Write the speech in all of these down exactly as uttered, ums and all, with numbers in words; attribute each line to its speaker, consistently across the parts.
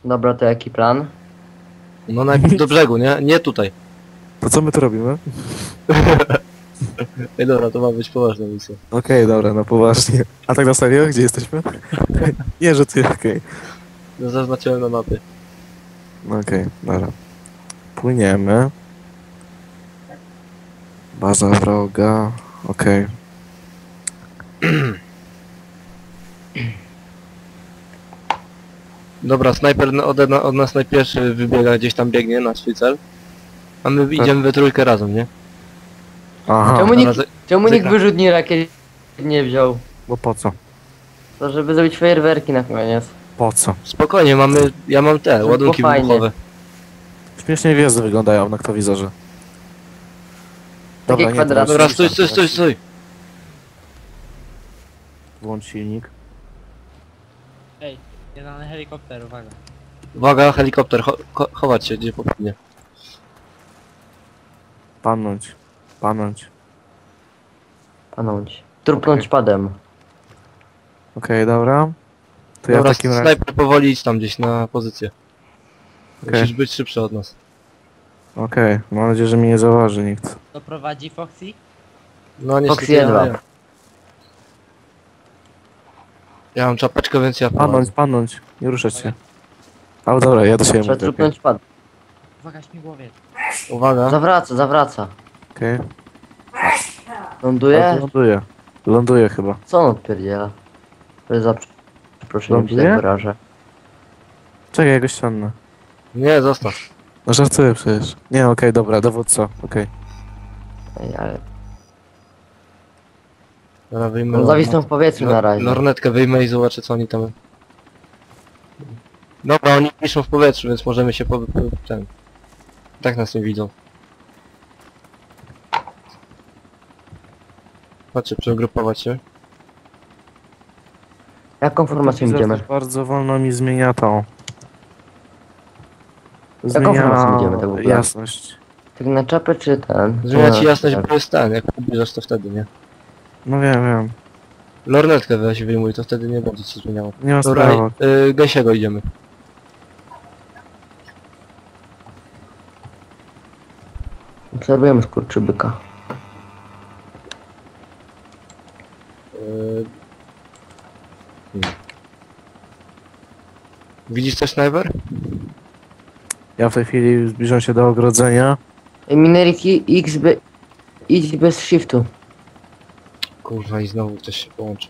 Speaker 1: Dobra, to jaki plan?
Speaker 2: No najpierw do brzegu, nie? Nie tutaj.
Speaker 3: To co my tu robimy?
Speaker 2: Ej dobra, to ma być poważna misja.
Speaker 3: Okej, dobra, no poważnie. A tak na serio? Gdzie jesteśmy? Nie, że ty, okej.
Speaker 2: No zaznaczyłem na mapie.
Speaker 3: No okej, dobra. Płyniemy. Baza wroga, okej.
Speaker 2: Dobra, snajper na- ode, na- od nas najpierwszy wybiega, gdzieś tam biegnie na swój cel. A my idziemy we trójkę razem, nie?
Speaker 3: Aha,
Speaker 1: Czemu
Speaker 2: Dobra,
Speaker 1: nikt,
Speaker 2: ze-
Speaker 1: czemu nikt
Speaker 2: zekra-
Speaker 1: wyrzutni rakiet nie wziął?
Speaker 3: bo po co?
Speaker 1: To żeby zrobić fajerwerki na koniec.
Speaker 3: Po co?
Speaker 2: Spokojnie, mamy, ja mam te,
Speaker 1: Żeby
Speaker 2: ładunki
Speaker 1: było fajnie.
Speaker 2: wybuchowe.
Speaker 3: Śmiesznie gwiazdy wyglądają na noktowizorze.
Speaker 1: Takie
Speaker 3: nie, to
Speaker 1: kwadraty.
Speaker 2: Dobra,
Speaker 3: już
Speaker 2: stój,
Speaker 3: silnik
Speaker 2: stój, stój, stój.
Speaker 3: Włącz silnik.
Speaker 4: Ej, jeden helikopter, uwaga.
Speaker 2: Uwaga, helikopter, cho cho chować się, gdzie popłynie.
Speaker 3: Panąć. Panąć.
Speaker 1: Panąć. Trupnąć padem.
Speaker 3: Okej, dobra. To ja
Speaker 2: Dobra,
Speaker 3: w takim razie...
Speaker 2: snajper powoli idź tam gdzieś na pozycję.
Speaker 3: Okej.
Speaker 2: Musisz być szybszy od nas.
Speaker 3: Okej, mam nadzieję, że mnie nie zauważy nikt.
Speaker 4: To prowadzi Foxy?
Speaker 2: No niestety
Speaker 1: Foxy
Speaker 2: ja,
Speaker 1: jedwa.
Speaker 2: ja. ja mam czapeczkę, więc ja
Speaker 3: Panąć, panąć. Nie ruszać się. Ale dobra, ja do siebie
Speaker 1: Trzeba
Speaker 3: mówię.
Speaker 1: trupnąć padem.
Speaker 4: Uwaga, śmigłowiec.
Speaker 2: Uwaga.
Speaker 1: Zawraca, zawraca.
Speaker 3: Okej.
Speaker 1: Ląduje?
Speaker 3: Ląduje. Ląduje chyba.
Speaker 1: Co on odpierdziela? To jest za przeproszeniem, że
Speaker 3: Ląduje?
Speaker 1: tak wyrażę.
Speaker 3: Czekaj, ja go ściągnę.
Speaker 2: Nie, zostaw.
Speaker 3: No żartuję przecież. Nie, okej, dobra, dowódco, okej.
Speaker 1: Ej, ale...
Speaker 2: Dobra, wyjmę.
Speaker 1: On zawisnął w powietrzu na razie.
Speaker 2: Lornetkę wyjmę i zobaczę, co oni tam... Dobra, oni piszą w powietrzu, więc możemy się po... po ten... Tak nas nie widzą. Patrzcie, przegrupować się.
Speaker 1: Jaką formacją
Speaker 3: Widzę,
Speaker 1: idziemy?
Speaker 3: że bardzo wolno mi zmienia tą.
Speaker 1: Jaką formacją idziemy tak w ogóle?
Speaker 3: jasność.
Speaker 1: Tak na czapę czy ten?
Speaker 2: Zmienia ci
Speaker 1: No,
Speaker 2: jasność,
Speaker 1: tak.
Speaker 2: bo jest ten, jak pobierzesz to wtedy, nie?
Speaker 3: No wiem, wiem.
Speaker 2: Lornetkę weź wyjmuj, to wtedy nie będzie ci zmieniało.
Speaker 3: Nie ma
Speaker 2: Dobra,
Speaker 3: sprawy.
Speaker 2: y, gęsiego idziemy.
Speaker 1: Obserwujemy skurczybyka.
Speaker 2: Y... hmm. Widzisz coś, Sniper?
Speaker 3: Ja w tej chwili zbliżam się do ogrodzenia.
Speaker 1: Ej, Minerik i- X by... Idź bez shiftu.
Speaker 2: Kurwa, i znowu ktoś się połączy.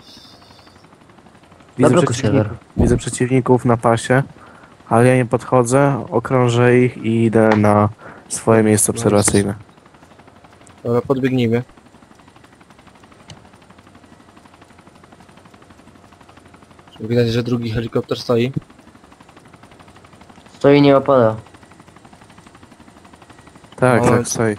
Speaker 3: Widzę
Speaker 1: Zablokuj
Speaker 3: przeciwników,
Speaker 1: serwer.
Speaker 3: widzę przeciwników na pasie, ale ja nie podchodzę, okrążę ich i idę na swoje miejsce obserwacyjne.
Speaker 2: Dobra, podbiegnijmy. Widać, że drugi helikopter stoi.
Speaker 1: Stoi i nie opada.
Speaker 3: Tak,
Speaker 2: Moment.
Speaker 3: tak, stoi.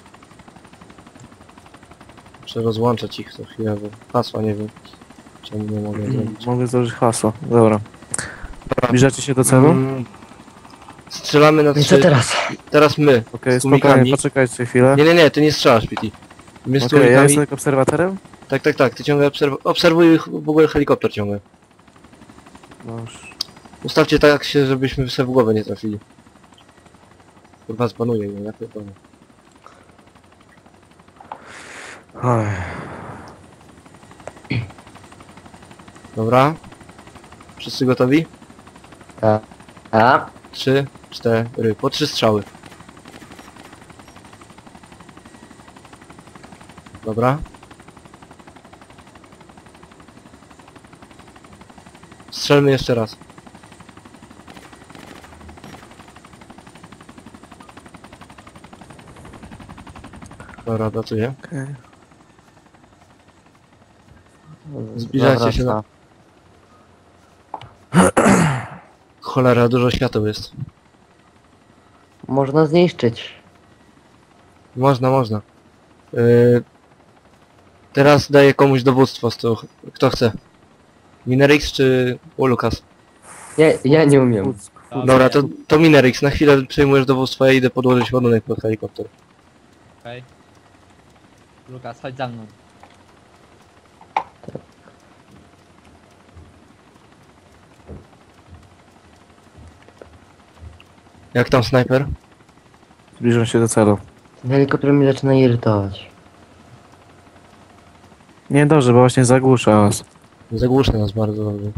Speaker 2: Muszę rozłączać ich co chwilę, bo hasła nie wiem. Czemu nie mogę
Speaker 3: Mm,
Speaker 2: zrobić.
Speaker 3: Mogę złożyć hasło. Dobra. Zbliżacie się do celu? Okej,
Speaker 2: Mm, Strzelamy na
Speaker 1: I co
Speaker 2: trzy.
Speaker 1: teraz?
Speaker 2: Teraz my. z
Speaker 3: spokojnie,
Speaker 2: tłumikami.
Speaker 3: poczekajcie chwilę.
Speaker 2: Nie, nie, nie, ty nie strzelasz, Pity. My z
Speaker 3: Okej, ja
Speaker 2: tłumikami.
Speaker 3: jestem obserwatorem?
Speaker 2: Tak, tak, tak, ty ciągle obserw obserwuj ich, w ogóle helikopter ciągle.
Speaker 3: No już.
Speaker 2: Ustawcie tak się, żebyśmy sobie w głowę nie trafili. Kurwa, zbanuję mnie, ja pierdolę.
Speaker 3: Oj.
Speaker 2: Dobra. Wszyscy gotowi?
Speaker 1: A? A?
Speaker 2: Trzy, cztery, po trzy strzały. Dobra. Strzelmy jeszcze raz. Dobra, pracuję.
Speaker 3: Okej.
Speaker 2: Zbliżajcie się na... Cholera, dużo świateł jest.
Speaker 1: Można zniszczyć.
Speaker 2: Można, można. Yy... Teraz daję komuś dowództwo z toho. Kto chce? Minerix czy Ulukas?
Speaker 1: Ja, ja nie umiem.
Speaker 2: Dobra, to, to Minerix, na chwilę przejmujesz dowództwo, ja idę podłożyć ładunek pod helikopter.
Speaker 4: Okej. Lukas, chodź za mną.
Speaker 2: Jak tam snajper?
Speaker 3: Zbliżam się do celu.
Speaker 1: Ten helikopter mnie zaczyna irytować.
Speaker 3: Nie dobrze, bo właśnie zagłusza was.
Speaker 2: Zagłuszny nas bardzo dobrze.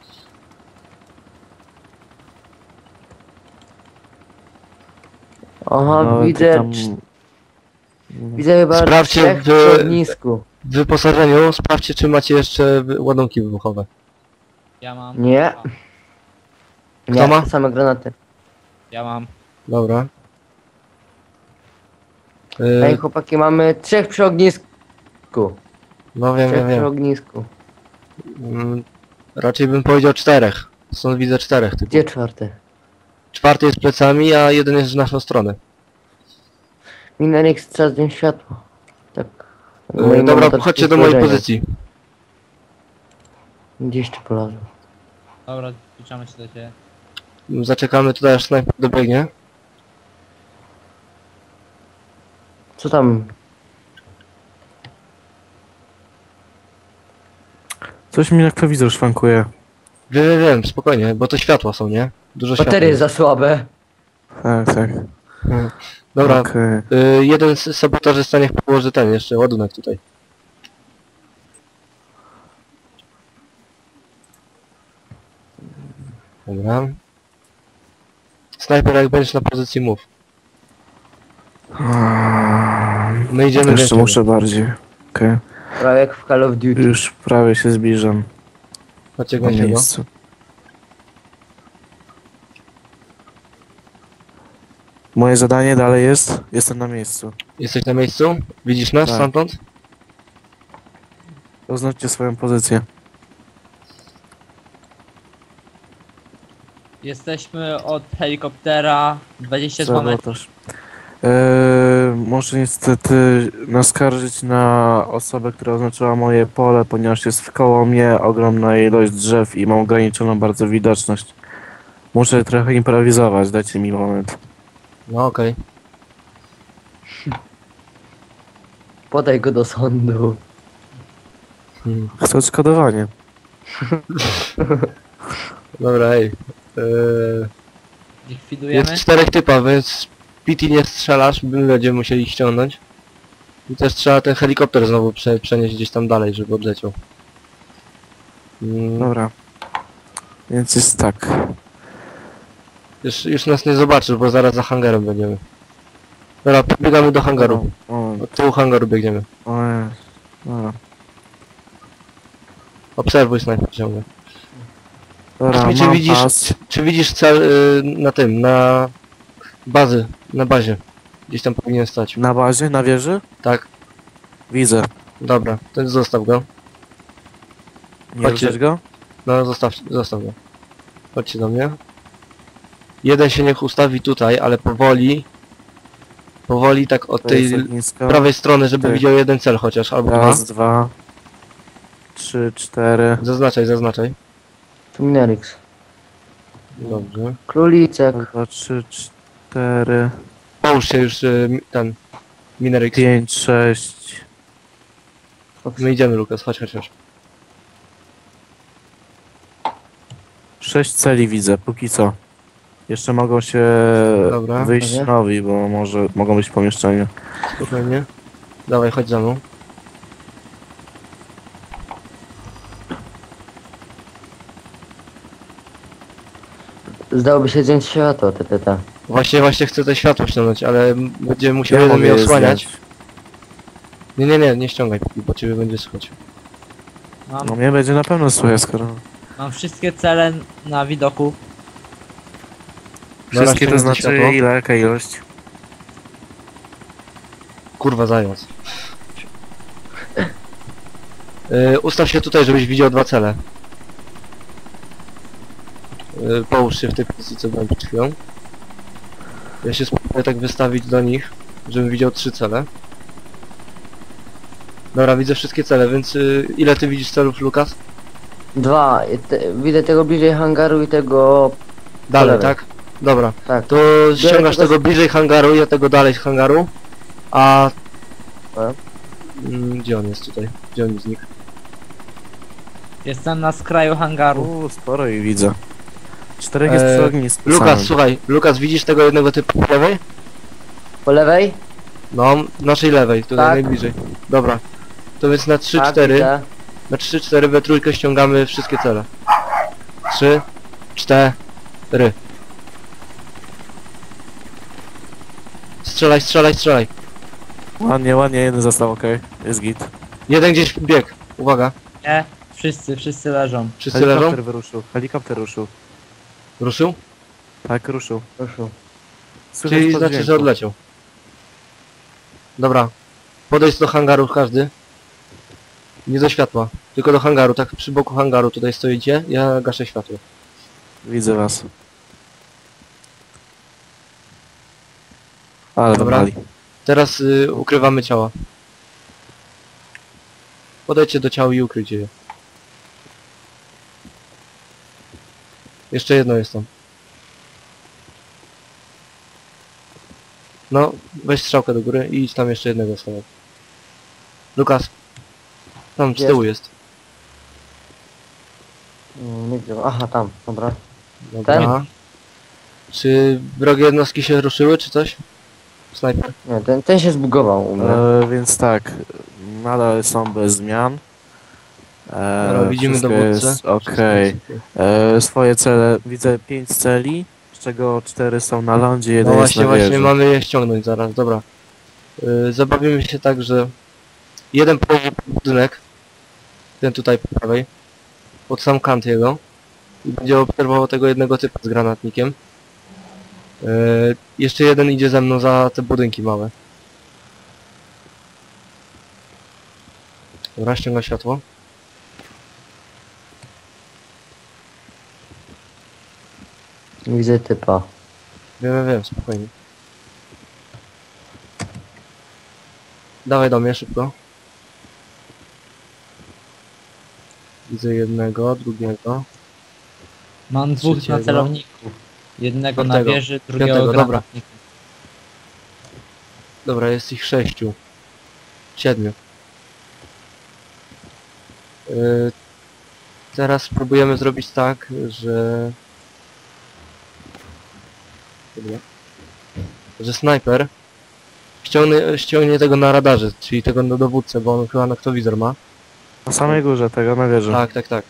Speaker 1: Aha,
Speaker 3: No, ty
Speaker 1: widzę,
Speaker 3: tam...
Speaker 1: cz- widzę chyba
Speaker 2: Sprawdźcie
Speaker 1: trzech
Speaker 2: w-
Speaker 1: w ognisku.
Speaker 2: W wyposażeniu sprawdźcie, czy macie jeszcze wy- ładunki wybuchowe.
Speaker 4: Ja mam.
Speaker 1: Nie.
Speaker 4: A,
Speaker 1: Nie,
Speaker 2: ma?
Speaker 1: same granaty.
Speaker 4: ja mam.
Speaker 2: Dobra.
Speaker 1: Ej,
Speaker 2: Yy,
Speaker 1: chłopaki, mamy trzech przy ognisku.
Speaker 2: no wiem,
Speaker 1: Trzech
Speaker 2: wiem,
Speaker 1: przy
Speaker 2: wiem.
Speaker 1: ognisku.
Speaker 2: Mm, raczej bym powiedział czterech. Stąd widzę czterech typów.
Speaker 1: Gdzie czwarty?
Speaker 2: Czwarty jest plecami, a jeden jest w naszą stronę.
Speaker 1: Minerik strzela z nim światło. Tak.
Speaker 2: Yy,
Speaker 1: Moi
Speaker 2: dobra,
Speaker 1: mamy
Speaker 2: chodźcie
Speaker 1: takie
Speaker 2: do mojej
Speaker 1: spojrzenie.
Speaker 2: pozycji.
Speaker 1: Gdzieś tu polazł.
Speaker 4: Dobra, zbliżamy się do ciebie.
Speaker 2: Zaczekamy tutaj, aż snajper dobiegnie.
Speaker 1: Co tam?
Speaker 3: Coś mi noktowizor szwankuje.
Speaker 2: Wiem, wiem, wiem, spokojnie, bo to światła są, nie? Dużo światła.
Speaker 1: Baterie za słabe.
Speaker 3: Tak, tak.
Speaker 2: Yy, Dobra,
Speaker 3: Okej.
Speaker 2: yy, jeden z sabotażysta niech położy ten jeszcze ładunek tutaj. Dobra. Snajper, jak będziesz na pozycji, mów. My idziemy
Speaker 3: Jeszcze
Speaker 2: więcej.
Speaker 3: muszę bardziej. Okej.
Speaker 1: Prawie jak w Call of Duty.
Speaker 3: Już prawie się zbliżam
Speaker 2: Chodźcie,
Speaker 3: na
Speaker 2: gońcie go.
Speaker 3: miejsce. Moje zadanie dalej jest? Jestem na miejscu.
Speaker 2: Jesteś na miejscu? Widzisz nas
Speaker 3: Tak.
Speaker 2: stamtąd?
Speaker 3: Oznaczcie swoją pozycję.
Speaker 4: Jesteśmy od helikoptera dwadzieścia dwa metry.
Speaker 3: Sabotaż. Eee, muszę niestety naskarżyć na osobę, która oznaczyła moje pole, ponieważ jest wkoło mnie ogromna ilość drzew i mam ograniczoną bardzo widoczność. Muszę trochę improwizować, dajcie mi moment.
Speaker 2: No okej.
Speaker 1: Podaj go do sądu.
Speaker 2: Hmm.
Speaker 3: Chcę odszkodowanie.
Speaker 2: Dobra, ej. Yy,
Speaker 4: Likwidujemy.
Speaker 2: jest czterech typa, więc Pity nie strzelasz, my będziemy musieli ich ściągnąć. I też trzeba ten helikopter znowu prze, przenieść gdzieś tam dalej, żeby odleciał. Mm,
Speaker 3: Dobra. Więc jest tak.
Speaker 2: już, już nas nie zobaczysz, bo zaraz za hangarem będziemy. Dobra, pobiegamy do hangaru.
Speaker 3: O,
Speaker 2: Od tyłu hangaru biegniemy.
Speaker 3: o, jest. Dobra.
Speaker 2: Obserwuj snajper ciągle.
Speaker 3: Dobra,
Speaker 2: Powiedz mi, czy
Speaker 3: mam
Speaker 2: widzisz,
Speaker 3: pas.
Speaker 2: czy, czy widzisz cel y, na tym, na bazy, na bazie. Gdzieś tam powinien stać.
Speaker 3: Na bazie, na wieży?
Speaker 2: Tak,
Speaker 3: Widzę.
Speaker 2: dobra, to zostaw go.
Speaker 3: Nie
Speaker 2: Chodźcie.
Speaker 3: ruszać go?
Speaker 2: No zostaw, zostaw go. Chodźcie do mnie. Jeden się niech ustawi tutaj, ale powoli. Powoli tak od
Speaker 3: To jest
Speaker 2: tej
Speaker 3: ognisko.
Speaker 2: prawej strony, żeby
Speaker 3: Tak.
Speaker 2: widział jeden cel chociaż, albo dwa.
Speaker 3: Raz, dwa, trzy, cztery.
Speaker 2: Zaznaczaj, zaznaczaj.
Speaker 1: Tu Minerix.
Speaker 2: Dobrze.
Speaker 1: Królicek.
Speaker 3: Raz, dwa, trzy, cztery,
Speaker 2: Połóż się już y, mi- ten Minerix.
Speaker 3: pięć, sześć.
Speaker 2: My idziemy, Lukas, chodź, chodź, chodź.
Speaker 3: Sześć celi widzę, póki co. Jeszcze mogą się
Speaker 2: Dobra,
Speaker 3: wyjść
Speaker 1: dobra.
Speaker 3: nowi, bo może mogą być w pomieszczeniu.
Speaker 2: Spokojnie. Dawaj, chodź za mną.
Speaker 1: Zdałoby się zdjąć światło, te, te, te.
Speaker 2: Właśnie, właśnie chcę te światło ściągnąć, ale m- będziemy musiał
Speaker 3: Ja
Speaker 2: jeden
Speaker 3: mogę
Speaker 2: mnie
Speaker 3: je
Speaker 2: osłaniać.
Speaker 3: zdjąć.
Speaker 2: Nie, nie, nie, nie ściągaj, bo ciebie będzie słychać.
Speaker 4: Mam,
Speaker 3: No mnie będzie na pewno słychać, skoro...
Speaker 4: mam wszystkie cele na widoku.
Speaker 2: Dobra,
Speaker 3: Wszystkie to
Speaker 2: ściągnę
Speaker 3: znaczy
Speaker 2: światło.
Speaker 3: ile, jaka ilość?
Speaker 2: Kurwa, zając. Yy, ustaw się tutaj, żebyś widział dwa cele. Yy, połóż się w tej pozycji, co byłem przed chwilą. Ja się spróbuję tak wystawić do nich, żebym widział trzy cele. Dobra, widzę wszystkie cele, więc yy, ile ty widzisz celów, Lukas?
Speaker 1: Dwa. I Te, widzę tego bliżej hangaru i tego...
Speaker 2: Dalej,
Speaker 1: lewej.
Speaker 2: tak? Dobra,
Speaker 1: Tak.
Speaker 2: to ściągasz
Speaker 1: tego-
Speaker 2: tego bliżej hangaru, ja tego dalej z hangaru, a...
Speaker 1: A?
Speaker 2: Mm, gdzie on jest tutaj? Gdzie on znikł?
Speaker 4: Jestem na skraju hangaru.
Speaker 3: Uuu, sporo i widzę. Czterech jest
Speaker 2: Eee,
Speaker 3: przy ognisku
Speaker 2: Lukas,
Speaker 3: samym.
Speaker 2: słuchaj, Lukas, widzisz tego jednego typu po lewej?
Speaker 1: Po lewej?
Speaker 2: No, naszej lewej, tutaj
Speaker 1: Tak.
Speaker 2: najbliżej. Dobra. To więc na trzy
Speaker 1: Tak,
Speaker 2: cztery,
Speaker 1: widzę.
Speaker 2: na trzy cztery we trójkę ściągamy wszystkie cele. trzy, cztery. Strzelaj, strzelaj, strzelaj.
Speaker 3: Ładnie, ładnie, jeden został, okej. Jest git.
Speaker 2: Jeden gdzieś bieg. Uwaga.
Speaker 4: Nie, wszyscy, wszyscy leżą.
Speaker 2: Wszyscy leżą?
Speaker 3: Helikopter wyruszył, helikopter ruszył.
Speaker 2: Ruszył?
Speaker 3: Tak, ruszył.
Speaker 1: Proszę.
Speaker 3: Słychać
Speaker 2: Czyli
Speaker 3: po
Speaker 2: znaczy, że
Speaker 3: dźwięku.
Speaker 2: odleciał. Dobra. Podejdź do hangaru każdy. Nie do światła. Tylko do hangaru, tak przy boku hangaru tutaj stoicie. Ja gaszę światło.
Speaker 3: Widzę was. Ale
Speaker 2: Dobra.
Speaker 3: wali.
Speaker 2: Teraz y, ukrywamy ciała. Podejdźcie do ciała i ukryjcie je. Jeszcze jedno jest tam. No, weź strzałkę do góry i idź tam jeszcze jednego stawiać. Lukas. Tam z
Speaker 1: Jest.
Speaker 2: tyłu jest.
Speaker 1: Mm, nie wiem. Aha, tam, dobra.
Speaker 2: Dobra. Czy wrogie jednostki się ruszyły, czy coś? Snajper.
Speaker 1: Nie, ten, ten się zbugował u mnie.
Speaker 3: E, więc tak, nadal są bez zmian. E,
Speaker 2: Dobra, widzimy
Speaker 3: wszystko
Speaker 2: dowódcę.
Speaker 3: jest okej. E, swoje cele, widzę pięć celi, z czego cztery są na lądzie, jeden
Speaker 2: No
Speaker 3: jest
Speaker 2: właśnie,
Speaker 3: na
Speaker 2: właśnie
Speaker 3: wieży.
Speaker 2: mamy je ściągnąć zaraz, dobra. Yy, zabawimy się tak, że jeden połowy budynek, ten tutaj po prawej, pod sam kant jego i będzie obserwował tego jednego typa z granatnikiem. Yy, jeszcze jeden idzie ze mną za te budynki małe. Dobra, ściąga światło.
Speaker 1: Widzę typa.
Speaker 2: Wiem, wiem, wiem, spokojnie. Dawaj do mnie szybko. Widzę jednego, drugiego.
Speaker 4: Mam dwóch
Speaker 2: Trzeciego.
Speaker 4: na celowniku. Jednego na
Speaker 2: Czwartego.
Speaker 4: wieży, drugiego
Speaker 2: Piątego, dobra.
Speaker 4: granatnika.
Speaker 2: Dobra, jest ich sześciu. Siedmiu. Yy, teraz spróbujemy zrobić tak, że... Dobra. Że snajper ściągnie, ściągnie tego na radarze, czyli tego na dowódcę, bo on chyba noktowizor ma.
Speaker 3: Na samej górze tego, na wieży.
Speaker 2: Tak, tak, tak.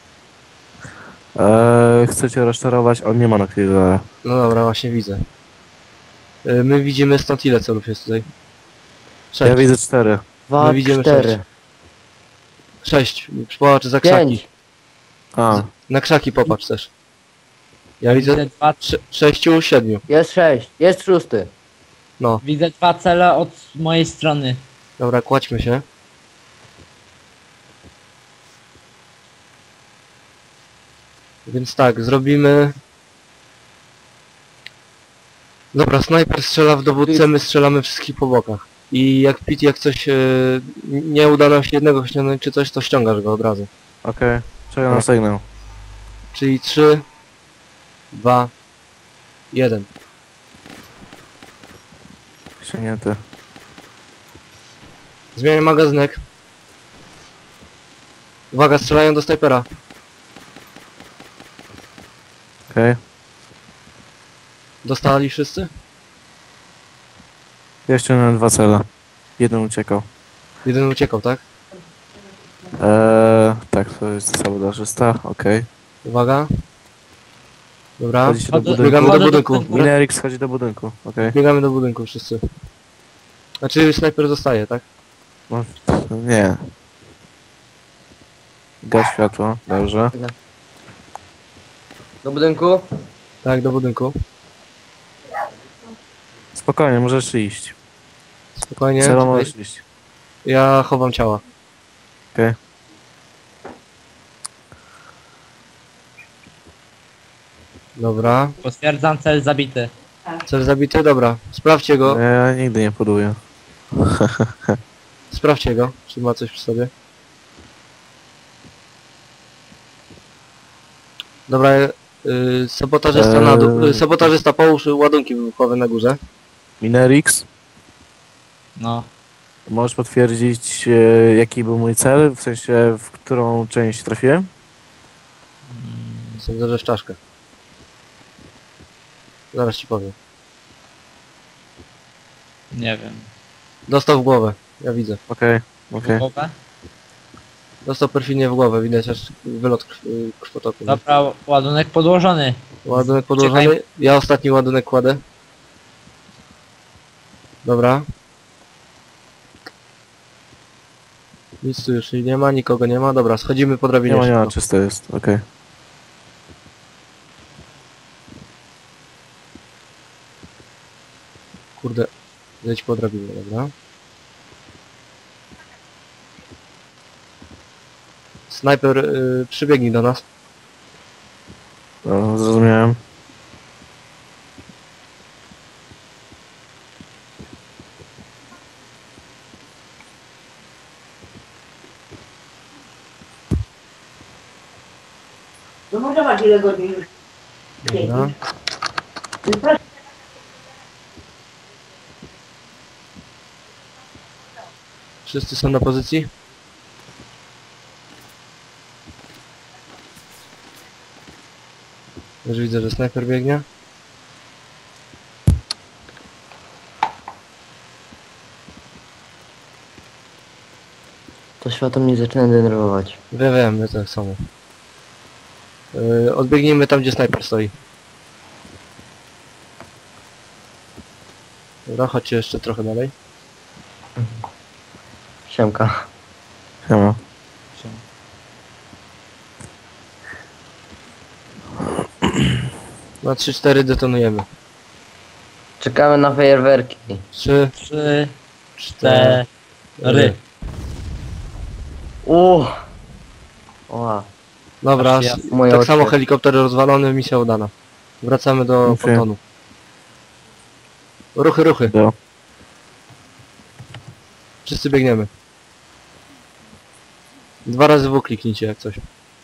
Speaker 3: E, chcecie rozczarować? On nie ma na chwilę.
Speaker 2: No dobra, właśnie widzę. Yy, my widzimy stąd ile celów jest tutaj? Sześć.
Speaker 3: Ja widzę cztery.
Speaker 1: Dwa,
Speaker 2: My widzimy
Speaker 1: cztery.
Speaker 2: sześć. Sześć. Popatrz za krzaki.
Speaker 1: Pięć.
Speaker 3: A,
Speaker 2: Na krzaki popatrz też. Ja widzę
Speaker 4: Widzę dwa,
Speaker 2: sze sześciu, siedmiu.
Speaker 1: Jest sześć. Jest szósty.
Speaker 2: No,
Speaker 4: widzę dwa cele od mojej strony.
Speaker 2: dobra, kładźmy się. Więc tak, zrobimy... Dobra, snajper strzela w dowódcę, my strzelamy wszystkich po bokach. I jak Pit, jak coś e, nie uda nam się jednego ściągnąć czy coś, to ściągasz go od razu.
Speaker 3: okej. Czekam na sygnał.
Speaker 2: Czyli trzy, dwa, jeden.
Speaker 3: Ściągnięty.
Speaker 2: Zmieniam magazynek. Uwaga, strzelają do snajpera.
Speaker 3: Okej.
Speaker 2: Dostali wszyscy?
Speaker 3: Ja ściągnąłem dwa cele. Jeden uciekał.
Speaker 2: Jeden uciekał, tak?
Speaker 3: Eee, tak, to jest sabotażysta, okej.
Speaker 2: Uwaga. Dobra.
Speaker 3: Wchodzicie do
Speaker 4: Chodzę-
Speaker 3: budynku.
Speaker 2: Biegamy do
Speaker 4: chodzę
Speaker 2: budynku.
Speaker 3: Minerix schodzi do budynku, okej.
Speaker 2: Biegamy do budynku wszyscy. Znaczy snajper zostaje, tak?
Speaker 3: No, nie. Gaś światło, dobrze.
Speaker 1: Do budynku?
Speaker 2: Tak, do budynku.
Speaker 3: Spokojnie, możesz iść.
Speaker 2: Spokojnie.
Speaker 3: Celo
Speaker 2: Tutaj.
Speaker 3: możesz iść.
Speaker 2: Ja chowam ciała.
Speaker 3: Okej.
Speaker 2: Dobra.
Speaker 4: Potwierdzam cel zabity.
Speaker 2: Cel zabity? Dobra. Sprawdźcie go.
Speaker 3: Ja nigdy nie poduję.
Speaker 2: Sprawdźcie go, czy ma coś przy sobie. Dobra, yy, sabotażysta na dół.
Speaker 3: Eee.
Speaker 2: Yy, sabotażysta połóż ładunki wybuchowe na górze.
Speaker 3: Minerix,
Speaker 4: No.
Speaker 3: możesz potwierdzić e, jaki był mój cel, w sensie w którą część trafiłem?
Speaker 2: Sądzę, że w czaszkę. Zaraz ci powiem.
Speaker 4: Nie wiem.
Speaker 2: Dostał w głowę, ja widzę.
Speaker 3: Okej, okej.
Speaker 4: Głowę?
Speaker 2: Dostał perfidnie w głowę, widać aż wylot krw, krwotoku. nie?
Speaker 4: Dobra, ładunek podłożony.
Speaker 2: Ładunek podłożony.
Speaker 4: Czekaj.
Speaker 2: Ja ostatni ładunek kładę. Dobra. Nic tu już nie ma, nikogo nie ma. Dobra, schodzimy po drabinie.
Speaker 3: Nie ma, nie ma,
Speaker 2: szybko.
Speaker 3: czysto jest, okej.
Speaker 2: Kurde, zejdź po drabinie, dobra. Snajper, yy, przybiegnij do nas.
Speaker 3: No, zrozumiałem.
Speaker 5: No może masz ile godzin już?
Speaker 2: Dobra. Wszyscy są na pozycji? Już widzę, że snajper biegnie.
Speaker 1: To światło mnie zaczyna denerwować.
Speaker 2: Wiem, wiem, my tak samo. Yy, odbiegnijmy tam, gdzie snajper stoi. Dobra, chodźcie jeszcze trochę dalej.
Speaker 1: Siemka.
Speaker 3: Siema.
Speaker 2: Na trzy cztery detonujemy.
Speaker 1: Czekamy na fajerwerki.
Speaker 2: trzy,
Speaker 4: Trzy,
Speaker 2: cztery.
Speaker 4: cztery.
Speaker 1: Uuu. Oła.
Speaker 2: Dobra,
Speaker 4: Aż ja-
Speaker 2: s-
Speaker 1: Moje
Speaker 2: tak
Speaker 1: oczy.
Speaker 2: samo helikopter rozwalony, misja udana. Wracamy do
Speaker 3: Okej.
Speaker 2: pontonu. Ruchy, ruchy.
Speaker 3: Do.
Speaker 2: Wszyscy biegniemy. Dwa razy W kliknijcie jak coś.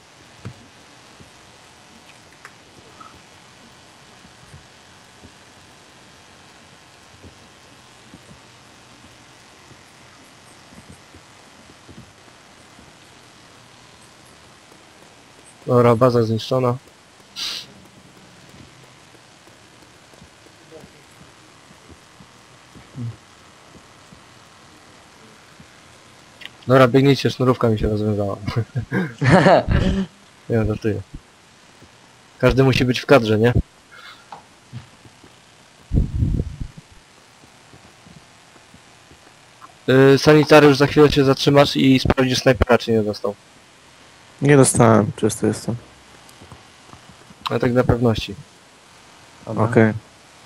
Speaker 2: Dobra, baza zniszczona. Dobra, biegnijcie, sznurówka mi się rozwiązała. Nie, żartuję. Każdy musi być w kadrze, nie? Yy, sanitariusz, za chwilę się zatrzymasz i sprawdzisz snajpera, czy nie dostał.
Speaker 3: Nie dostałem, czysto jestem.
Speaker 2: Ale tak dla pewności.
Speaker 1: Dobra.
Speaker 3: Okej.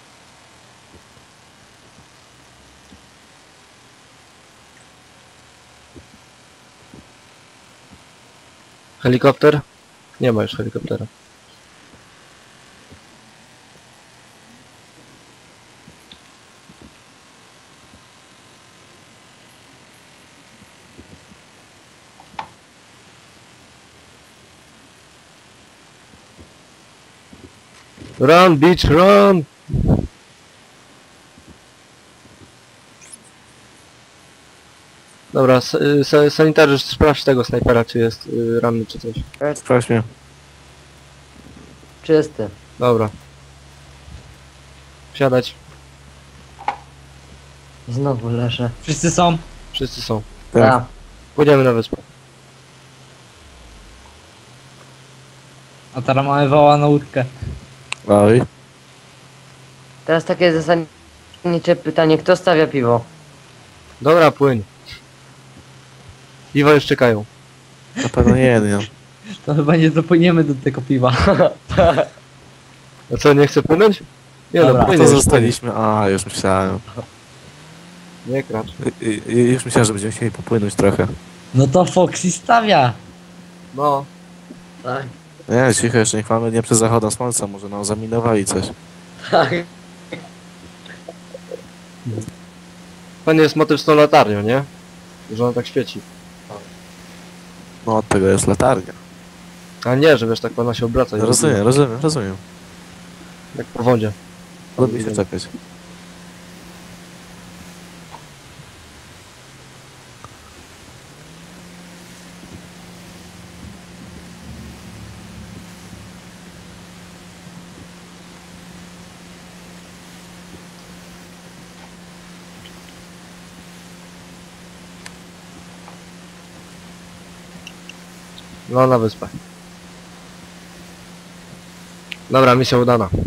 Speaker 2: Helikopter? Nie ma już helikoptera. Run, bitch, run! Dobra, s- y, sa- sanitariusz, sprawdź tego snajpera, czy jest y, ranny, czy coś.
Speaker 3: Sprawdź mnie.
Speaker 1: Czysty.
Speaker 2: Dobra. Wsiadać.
Speaker 1: Znowu leżę.
Speaker 4: Wszyscy są?
Speaker 2: Wszyscy są.
Speaker 3: Tak.
Speaker 1: Ja.
Speaker 2: Pójdziemy na wyspę.
Speaker 4: A teraz mamy woła na łódkę.
Speaker 3: Oj.
Speaker 1: Teraz takie zasadnicze pytanie, kto stawia piwo?
Speaker 2: Dobra, płyń. Piwa już czekają.
Speaker 3: Na pewno nie jeden.
Speaker 4: To chyba nie dopłyniemy do tego piwa.
Speaker 2: A co, nie chce płynąć? Nie
Speaker 4: Dobra,
Speaker 2: no, płynie.
Speaker 3: To
Speaker 2: już,
Speaker 3: zostaliśmy. A, już myślałem.
Speaker 2: płynie. Nie kracz.
Speaker 3: Y- y- Już myślałem, że będziemy chcieli popłynąć trochę.
Speaker 4: No to Foxy stawia.
Speaker 2: No.
Speaker 1: Tak.
Speaker 3: Nie, cicho jeszcze, niech mamy nie przed zachodem słońca, może nam zaminowali coś.
Speaker 1: Tak.
Speaker 2: Fajny jest motyw z tą latarnią, nie? Że ona tak świeci.
Speaker 3: No od tego jest latarnia.
Speaker 2: A nie, że wiesz, tak ona się obraca. i
Speaker 3: Rozumiem, rozumiem, rozumiem.
Speaker 2: Jak po wodzie.
Speaker 3: Lubię się czekać.
Speaker 2: No, na wyspę. Dobra, misja udana.